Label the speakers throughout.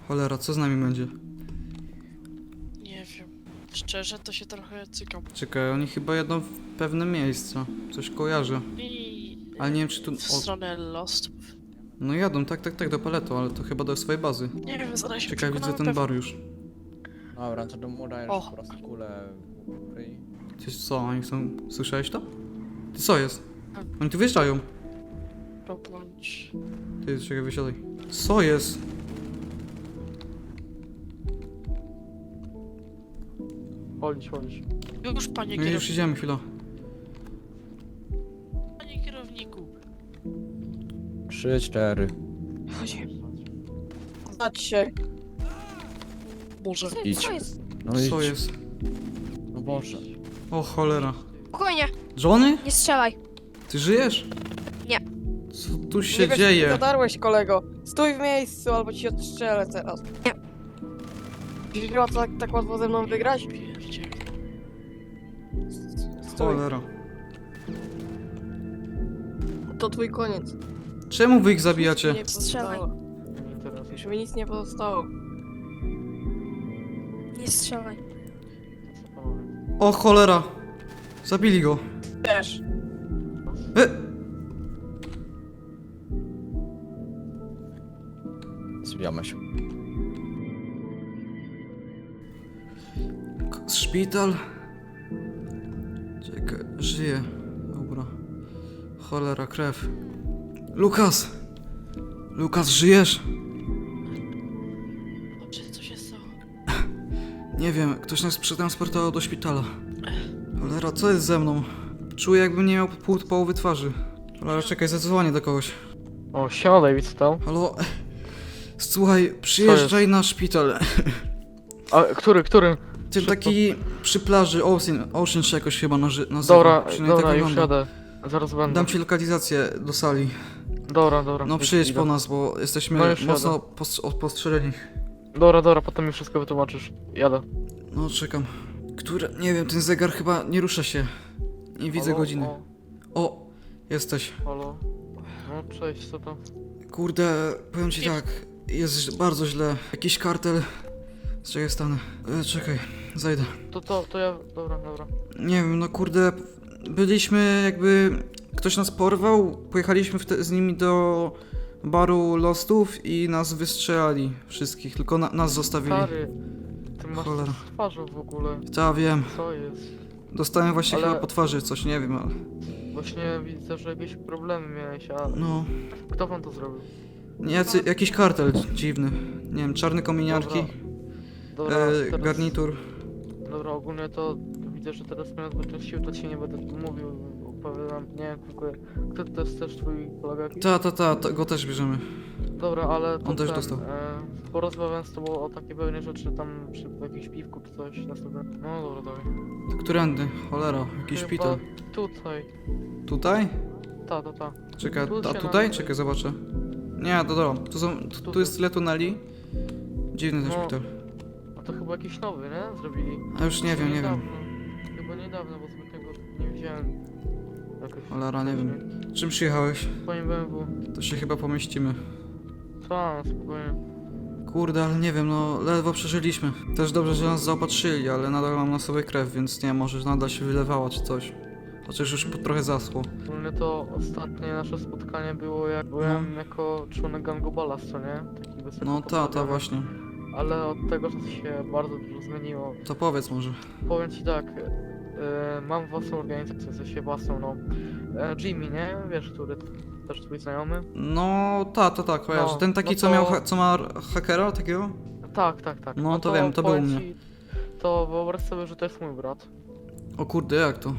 Speaker 1: Cholera, co z nami będzie?
Speaker 2: Nie wiem. Szczerze to się trochę cykam.
Speaker 1: Czekaj, oni chyba jadą w pewne miejsce. Coś kojarzę.
Speaker 2: I
Speaker 1: Ale nie wiem, czy tu...
Speaker 2: w stronę Lost.
Speaker 1: No jadą, tak, do Paleto, ale to chyba do swojej bazy.
Speaker 2: Nie wiem, zaraz się
Speaker 1: Czekaj, widzę
Speaker 2: przekonamy
Speaker 1: ten
Speaker 2: pewnie.
Speaker 1: bar już.
Speaker 3: Dobra, to mu dajesz
Speaker 2: O.
Speaker 3: po prostu kulę w ryj.
Speaker 1: Ty co, oni chcą... Słyszałeś to? Ty co jest? Oni tu wyjeżdżają.
Speaker 2: Pobądź.
Speaker 1: Ty, czekaj, wysiadaj. Co jest?
Speaker 4: Chodź.
Speaker 2: Już, panie
Speaker 1: No i już
Speaker 2: kierowniku.
Speaker 1: idziemy, chwila.
Speaker 2: Panie kierowniku.
Speaker 3: 3, 4.
Speaker 5: Znać się.
Speaker 2: Może.
Speaker 3: Idź.
Speaker 6: Co jest?
Speaker 3: No idź.
Speaker 1: Co jest?
Speaker 3: No Boże.
Speaker 1: O cholera.
Speaker 6: Spokojnie,
Speaker 1: Johnny?
Speaker 6: nie strzelaj.
Speaker 1: Ty żyjesz?
Speaker 6: Nie.
Speaker 1: Co tu się
Speaker 5: Nie wiesz,
Speaker 1: dzieje?
Speaker 5: zadarłeś, kolego. Stój w miejscu, albo ci odstrzelę teraz.
Speaker 6: Nie.
Speaker 5: Dziś chyba tak łatwo ze mną wygrać?
Speaker 2: Pierdziel.
Speaker 5: Stój,
Speaker 1: Cholera.
Speaker 5: to twój koniec.
Speaker 1: Czemu wy ich zabijacie?
Speaker 5: Nie
Speaker 6: Strzelaj.
Speaker 5: pozostało.
Speaker 4: Nie interesuje.
Speaker 5: Już mi nic nie pozostało.
Speaker 6: Nie strzelaj.
Speaker 1: O cholera. Zabili go.
Speaker 5: Też.
Speaker 3: Zbijamy się.
Speaker 1: Szpital. Czekaj, żyje. Dobra. Cholera, krew. Lukas! Lukas, żyjesz?
Speaker 2: Dobrze, co się stało?
Speaker 1: Nie wiem, ktoś nas przetransportował do szpitala. Cholera, co jest ze mną? Czuję, jakbym nie miał połowy twarzy. Cholera, czekaj, zadzwonię do kogoś.
Speaker 4: O, siema David, co tam?
Speaker 1: Halo? Słuchaj, przyjeżdżaj na szpital.
Speaker 4: A, który?
Speaker 1: Ten taki przy plaży, Ocean się jakoś chyba nazywa.
Speaker 4: Dobra,
Speaker 1: Przynajmniej
Speaker 4: dobra,
Speaker 1: tak
Speaker 4: już
Speaker 1: wygląda.
Speaker 4: jadę. Zaraz będę.
Speaker 1: Dam ci lokalizację do sali.
Speaker 4: Dobra.
Speaker 1: No przyjedź po nas, bo jesteśmy
Speaker 4: No już
Speaker 1: mocno postrzeleni.
Speaker 4: Dobra, potem mi wszystko wytłumaczysz. Jadę.
Speaker 1: No czekam. Które? Nie wiem, ten zegar chyba nie rusza się. Nie widzę
Speaker 4: Halo?
Speaker 1: godziny.
Speaker 4: O,
Speaker 1: O, jesteś.
Speaker 4: halo. No, cześć, co tam?
Speaker 1: Kurde, powiem ci tak, jest bardzo źle. Jakiś kartel. Czekaj, stanę. Czekaj, zajdę.
Speaker 4: To ja... Dobra.
Speaker 1: Nie wiem, no kurde, byliśmy jakby... Ktoś nas porwał, pojechaliśmy z nimi do baru Lostów i nas wystrzelali wszystkich, tylko nas zostawili.
Speaker 4: Stary, ty masz
Speaker 1: Cholera.
Speaker 4: coś w twarzy w ogóle.
Speaker 1: Ta, wiem.
Speaker 4: Co jest?
Speaker 1: Dostałem właśnie
Speaker 4: Ale-
Speaker 1: chyba po twarzy coś, nie wiem, ale...
Speaker 4: Właśnie widzę, że jakieś problemy miałeś, a
Speaker 1: No...
Speaker 4: kto wam to zrobił?
Speaker 1: Jakiś kartel dziwny. Nie wiem, czarne kominiarki,
Speaker 4: Dobra, teraz,
Speaker 1: garnitur.
Speaker 4: Dobra, ogólnie to widzę, że teraz mnie odbyć sił, to ci nie będę tu mówił, opowiadam, nie wiem, tylko kto to jest też twój kolega jakiś?
Speaker 1: Go też bierzemy.
Speaker 4: Dobra, ale to
Speaker 1: On też
Speaker 4: ten,
Speaker 1: dostał.
Speaker 4: porozmawiam z tobą o takie pewne rzeczy tam przy jakimś piwku czy coś następne. No dobra, dawaj.
Speaker 1: Którędy? Cholera, jakiś
Speaker 4: Chyba
Speaker 1: szpital.
Speaker 4: Tutaj.
Speaker 1: Tutaj?
Speaker 4: Ta.
Speaker 1: Czekaj,
Speaker 4: Tu
Speaker 1: a
Speaker 4: się
Speaker 1: tutaj?
Speaker 4: nam-
Speaker 1: Czekaj, zobaczę. Nie, to dobra. Tu jest tyle tuneli. Dziwny ten
Speaker 4: No.
Speaker 1: szpital.
Speaker 4: A to chyba jakiś nowy, nie? Zrobili.
Speaker 1: A już nie wiem.
Speaker 4: Niedawno. Chyba niedawno, bo zbytniego nie widziałem. Jakoś
Speaker 1: Cholera, nie wiem. Czym przyjechałeś?
Speaker 4: Twoim BMW.
Speaker 1: To się chyba pomieścimy.
Speaker 4: Ta, spokojnie.
Speaker 1: Kurde, ale nie wiem, no ledwo przeżyliśmy. Też dobrze, że nas zaopatrzyli, ale nadal mam na sobie krew, więc nie, może nadal się wylewała czy coś. Chociaż już trochę zaschło.
Speaker 4: Ogólnie to ostatnie nasze spotkanie było jak byłem jako członek gangu Ballas, co nie? Taki wysoko
Speaker 1: No ta
Speaker 4: postawiony.
Speaker 1: właśnie.
Speaker 4: Ale od tego czasu się bardzo dużo zmieniło.
Speaker 1: To powiedz może.
Speaker 4: Powiem ci tak, mam własną organizację, w sensie własną, no. Jimmy, nie? Wiesz, który też twój znajomy?
Speaker 1: No ta, kojarzę.
Speaker 4: No,
Speaker 1: Ten taki,
Speaker 4: no
Speaker 1: co
Speaker 4: to-
Speaker 1: miał, co ma hakera takiego?
Speaker 4: Tak.
Speaker 1: No to wiem, to był u
Speaker 4: powiem
Speaker 1: mnie.
Speaker 4: ci, To wyobraź sobie, że to jest mój brat.
Speaker 1: O kurde, jak to?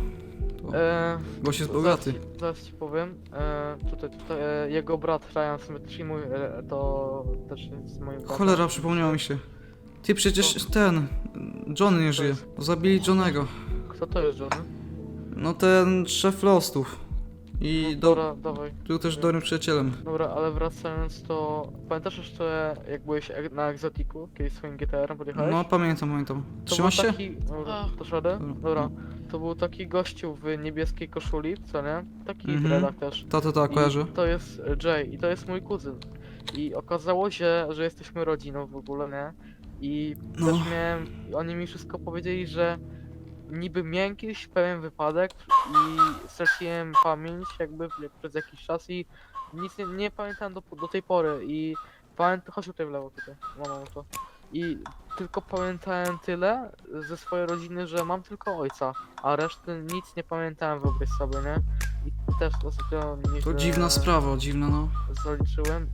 Speaker 1: Gość jest bogaty.
Speaker 4: Zaraz ci powiem. Tutaj, jego brat Ryan Symmetry, mój, to też jest moim bratem.
Speaker 1: Cholera, przypomniało mi się. Ty przecież ten... Johnny nie żyje. Zabili Johnego.
Speaker 4: Kto to jest Johnny?
Speaker 1: No ten szef Lostów. I
Speaker 4: No, dobra, dawaj.
Speaker 1: był też dobrym przyjacielem.
Speaker 4: Dobra, ale wracając to... Pamiętasz jeszcze jak byłeś na Exotiku, kiedyś swoim GTR-em podjechałeś?
Speaker 1: No pamiętam.
Speaker 4: To
Speaker 1: Trzymasz
Speaker 4: był
Speaker 1: się?
Speaker 4: taki... Dobra,
Speaker 2: A.
Speaker 4: dasz radę?
Speaker 1: Dobra.
Speaker 4: Dobra. To był taki gościu w niebieskiej koszuli, co nie? Taki
Speaker 1: Mhm.
Speaker 4: dreadach też.
Speaker 1: Ta,
Speaker 4: I
Speaker 1: kojarzę.
Speaker 4: to jest Jay i to jest mój kuzyn. I okazało się, że jesteśmy rodziną w ogóle, nie? I
Speaker 1: No.
Speaker 4: też miałem, oni mi wszystko powiedzieli, że niby miałem kiedyś pewien wypadek i straciłem pamięć jakby przez jakiś czas i nic nie pamiętam do tej pory i pamiętam, chodź tutaj w lewo tutaj, mam to. I tylko pamiętałem tyle ze swojej rodziny, że mam tylko ojca, a reszty nic nie pamiętałem, wyobraź sobie, nie? I też ostatnio
Speaker 1: To
Speaker 4: nieźle
Speaker 1: dziwna sprawa, dziwna no.
Speaker 4: zaliczyłem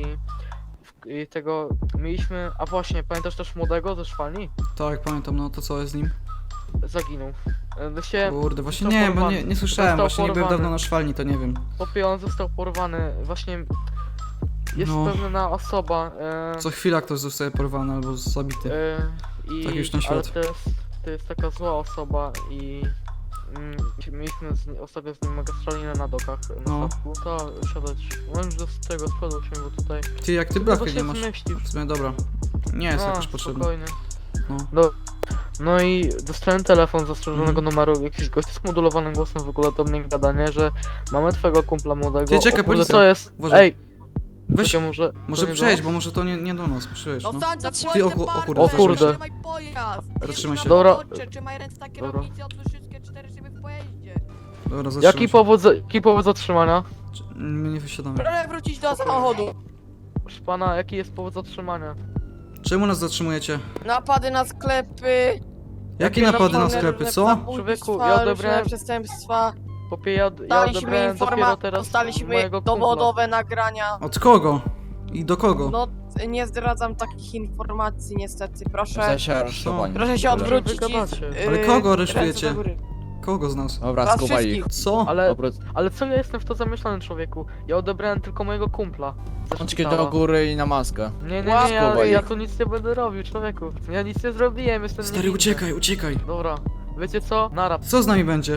Speaker 4: i tego mieliśmy, a właśnie, pamiętasz też młodego ze szwalni?
Speaker 1: Tak, pamiętam, no to co jest z nim?
Speaker 4: Zaginął. Się
Speaker 1: Kurde, właśnie
Speaker 4: został
Speaker 1: nie, bo
Speaker 4: porwany.
Speaker 1: nie słyszałem,
Speaker 4: Został
Speaker 1: właśnie nie byłem
Speaker 4: porwany.
Speaker 1: dawno na szwalni, to nie wiem.
Speaker 4: Popie, on został porwany, właśnie jest
Speaker 1: No.
Speaker 4: pewna osoba,
Speaker 1: Co chwila ktoś zostaje porwany albo zabity.
Speaker 4: i,
Speaker 1: Tak już na
Speaker 4: ale
Speaker 1: świat.
Speaker 4: to jest taka zła osoba i mieliśmy ostatnio z nim mega strzelinę na dokach na
Speaker 1: No.
Speaker 4: statku. To siadać, możesz do tego spodu się, bo tutaj
Speaker 1: Ty, jak ty
Speaker 4: to
Speaker 1: blachy
Speaker 4: się
Speaker 1: nie masz?
Speaker 4: zmieścisz.
Speaker 1: W sumie dobra. Nie jest jakoś potrzebny.
Speaker 4: Spokojnie.
Speaker 1: No.
Speaker 4: No i dostałem telefon z zastrzeżonego
Speaker 1: Mhm.
Speaker 4: numeru, jakiś gość z modulowanym głosem w ogóle do mnie gadanie, że mamy twojego kumpla młodego.
Speaker 1: Ty, czekaj,
Speaker 4: O kurde,
Speaker 1: policja.
Speaker 4: co jest?
Speaker 1: Uważaj.
Speaker 4: Ej!
Speaker 1: Weź,
Speaker 4: Czekaj, może
Speaker 1: może
Speaker 4: to nie
Speaker 1: przejdź,
Speaker 4: do
Speaker 1: bo może to nie do nas, przejdź, no.
Speaker 5: No stań,
Speaker 1: Ty, o kurde,
Speaker 4: O kurde.
Speaker 5: Trzymaj pojazd!
Speaker 1: Zatrzymaj się.
Speaker 4: Dobra.
Speaker 5: Trzymaj ręce na
Speaker 4: Dobra.
Speaker 5: kierownicy, otwórz wszystkie 4 szyby w pojeździe.
Speaker 1: Dobra, zatrzymaj
Speaker 4: Jaki
Speaker 1: się.
Speaker 4: jaki powód zatrzymania?
Speaker 1: My nie wysiadamy.
Speaker 5: Proszę wrócić do samochodu.
Speaker 4: Proszę pana, jaki jest powód zatrzymania?
Speaker 1: Czemu nas zatrzymujecie?
Speaker 5: Napady na sklepy.
Speaker 1: Jakie
Speaker 4: Jakie
Speaker 1: napady na
Speaker 4: napady?
Speaker 1: sklepy, co?
Speaker 4: Człowieku,
Speaker 5: Zabójstwa,
Speaker 4: ja
Speaker 5: różne
Speaker 4: odebrałem-
Speaker 5: przestępstwa.
Speaker 4: Popie, ja
Speaker 5: Dostaliśmy
Speaker 4: odebrałem dopiero teraz
Speaker 5: dostaliśmy
Speaker 4: mojego kumpla.
Speaker 5: dowodowe nagrania.
Speaker 1: Od kogo? I do kogo?
Speaker 5: No, nie zdradzam takich informacji niestety, proszę.
Speaker 3: W sensie aresztowani.
Speaker 5: Proszę się
Speaker 3: Dobra.
Speaker 5: odwrócić i...
Speaker 4: Wygadacie.
Speaker 1: Ale kogo
Speaker 5: ręce
Speaker 1: aresztujecie?
Speaker 5: do góry.
Speaker 1: Kogo z nas?
Speaker 3: Dobra,
Speaker 5: Was
Speaker 3: skuwaj ich.
Speaker 5: wszystkich.
Speaker 1: Co?
Speaker 4: Ale co ja jestem w to zamieszany, człowieku? Ja odebrałem tylko mojego kumpla. ze
Speaker 3: Rączki
Speaker 4: szpitala.
Speaker 3: do góry i na maskę.
Speaker 4: Nie,
Speaker 3: Skuwaj
Speaker 4: ja
Speaker 3: ich.
Speaker 4: tu nic nie będę robił, człowieku. Ja nic nie zrobiłem, jestem
Speaker 1: Stary,
Speaker 4: niewinny.
Speaker 1: uciekaj, uciekaj.
Speaker 4: Dobra, wiecie co? Nara.
Speaker 1: Co z nami będzie?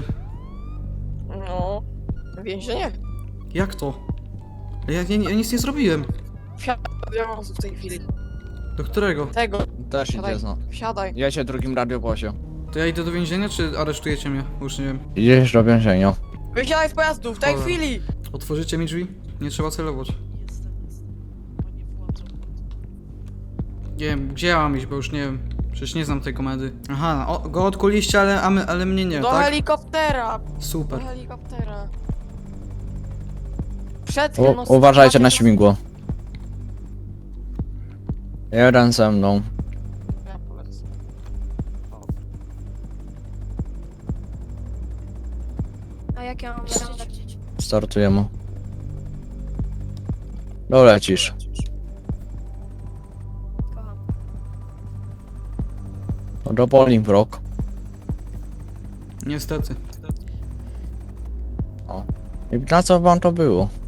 Speaker 5: No, więzienie.
Speaker 1: Jak to? Ja nic nie zrobiłem.
Speaker 5: Wsiadaj w tej chwili.
Speaker 1: Do którego?
Speaker 5: Tego,
Speaker 3: Też
Speaker 5: Siadaj.
Speaker 3: idzie no.
Speaker 5: wsiadaj.
Speaker 3: Jedzie drugim radiowozie.
Speaker 1: To ja idę do więzienia, czy aresztujecie mnie? Już nie wiem.
Speaker 3: Idziesz do więzienia.
Speaker 5: Wysiadaj z pojazdu, w tej
Speaker 1: Dobra.
Speaker 5: chwili!
Speaker 1: Otworzycie mi drzwi? Nie trzeba celować.
Speaker 2: Panie władzo.
Speaker 1: Nie wiem, gdzie ja mam iść, bo już nie wiem. Przecież nie znam tej komedy. Aha, go odkuliście, ale mnie nie,
Speaker 5: Do
Speaker 1: tak?
Speaker 5: helikoptera! Do
Speaker 1: Super.
Speaker 5: helikoptera. Przed chwilą... no,
Speaker 3: Uważajcie na
Speaker 5: zobaczcie,
Speaker 3: śmigło. Jeden ze mną.
Speaker 5: Ja polecę.
Speaker 6: A jak ja mam lecieć?
Speaker 3: Startujemy. Dolecisz.
Speaker 6: Kocham.
Speaker 3: Do Bolingbrook.
Speaker 1: Niestety.
Speaker 3: I na co wam to było?